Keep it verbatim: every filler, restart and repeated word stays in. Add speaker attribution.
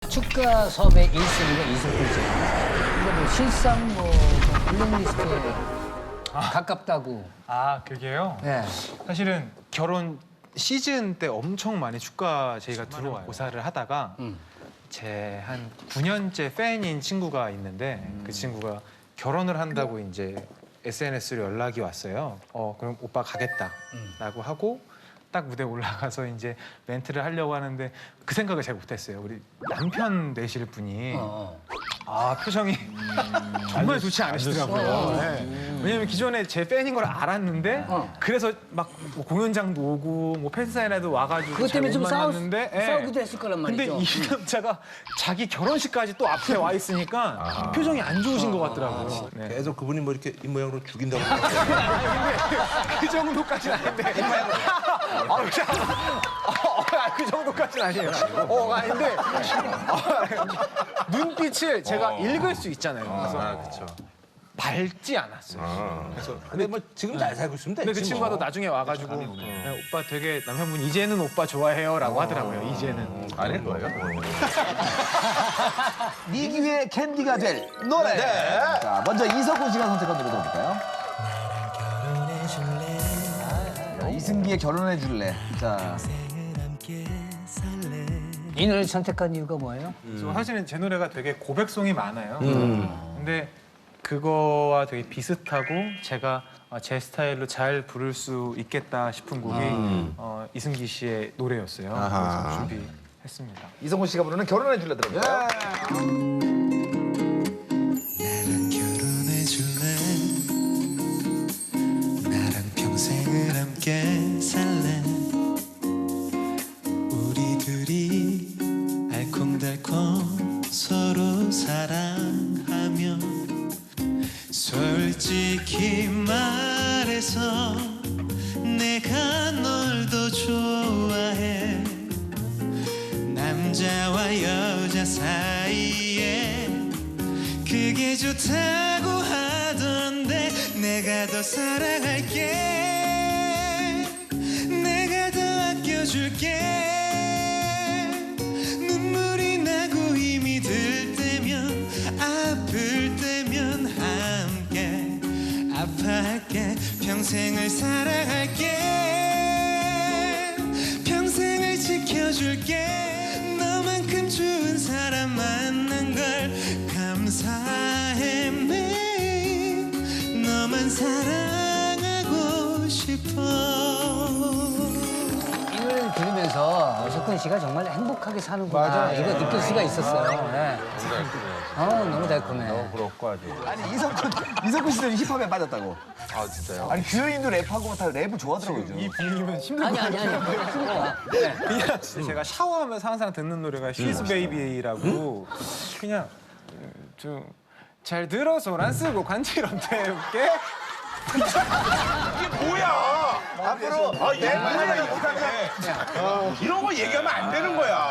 Speaker 1: 축가 섭외 일 순위가 이석훈 씨. 근데 뭐 실상 뭐 블랙리스트에 가깝다고.
Speaker 2: 아, 그게요?
Speaker 1: 네.
Speaker 2: 사실은 결혼 시즌 때 엄청 많이 축가 저희가 들어와요. 고사를 하다가
Speaker 1: 음.
Speaker 2: 제 한 구 년째 팬인 친구가 있는데 그 친구가 결혼을 한다고 이제 에스엔에스로 연락이 왔어요. 어, 그럼 오빠 가겠다라고 하고 딱 무대 올라가서 이제 멘트를 하려고 하는데 그 생각을 잘 못했어요. 우리 남편 되실 분이
Speaker 1: 어, 어.
Speaker 2: 아 표정이 정말 좋지 않으시더라고요. 네. 왜냐면 기존에 제 팬인 걸 알았는데
Speaker 1: 어.
Speaker 2: 그래서 막뭐 공연장도 오고 뭐 팬사인회도 와가지고
Speaker 1: 그것 때문에
Speaker 2: 잘
Speaker 1: 좀
Speaker 2: 못
Speaker 1: 싸우,
Speaker 2: 만났는데 예.
Speaker 1: 싸우기도 했을 거란
Speaker 2: 근데
Speaker 1: 말이죠.
Speaker 2: 이 남자가 자기 결혼식까지 또 앞에 와 있으니까 표정이 안 좋으신 것 같더라고요. 네.
Speaker 3: 계속 그분이 뭐 이렇게 입모양으로 죽인다고.
Speaker 2: 그 정도까지는 아닌데. 아, 그냥, 어, 아, 그 정도까지는 아니에요. 어, 아닌데. 어, 눈빛을 제가 읽을 수 있잖아요. 그래서
Speaker 3: 아, 그렇죠.
Speaker 2: 밝지 않았어요.
Speaker 3: 그래서 근데 뭐 지금 잘 살고 있으면 되지.
Speaker 2: 근데 그 친구가 또
Speaker 3: 뭐.
Speaker 2: 나중에 와가지고 네, 오빠 되게 남편분 이제는 오빠 좋아해요라고 하더라고요. 이제는.
Speaker 3: 아닐 거예요.
Speaker 4: 네 기회에 캔디가 될 노래. 자, 먼저 이석훈 씨가 선택한 노래 들어볼까요? 자, 이승기의 결혼해 줄래. 자,
Speaker 1: 이 노래를 선택한 이유가 뭐예요?
Speaker 2: 그래서 사실은 제 노래가 되게 고백송이 많아요. 근데 그거와 되게 비슷하고 제가 어, 제 스타일로 잘 부를 수 있겠다 싶은 곡이 어, 이승기 씨의 노래였어요.
Speaker 3: 아하.
Speaker 2: 그래서 준비했습니다.
Speaker 4: 이석훈 씨가 부르는 결혼해 줄래 들어볼까요?
Speaker 5: 나랑 결혼해 줄래? 나랑 평생을 함께 살래? 우리 둘이 알콩달콩 서로 사랑하며 솔직히 말해서 내가 널 더 좋아해. 남자와 여자 사이에 그게 좋다고 하던데 내가 더 사랑할게. 내가 더 아껴줄게. 눈물이 나고 힘이 들 때면 아플 때면 함께 아파할게. 평생을 사랑할게. 평생을 지켜줄게. 너만큼 좋은 사람 만난 걸 감사해. 매일 너만 사랑하고 싶어.
Speaker 1: 이 노래를 들으면서 석훈 씨가 정말 행복하게 사는구나. 이거 느낄 수가 있었어요. 네. 어, 너무 달콤해.
Speaker 3: 부럽고 아주.
Speaker 4: 아니, 이석훈, 이석훈 씨도 힙합에 빠졌다고.
Speaker 3: 아 진짜요?
Speaker 4: 아니, 규현이도 랩하고 다 랩을 좋아하더라고요.
Speaker 2: 이 비밀이면 힘들 것
Speaker 1: 아니, 아니,
Speaker 2: 같아요.
Speaker 1: 아니. 그러니까. 네.
Speaker 2: 그냥 제가 샤워하면서 항상 듣는 노래가 She's Baby라고 그냥 좀 잘 들어서 안 쓰고 관처럼 태울게.
Speaker 3: 뭐야? 앞으로 아, 얘 뭐야 이거. 이런 거 얘기하면 안 되는 거야.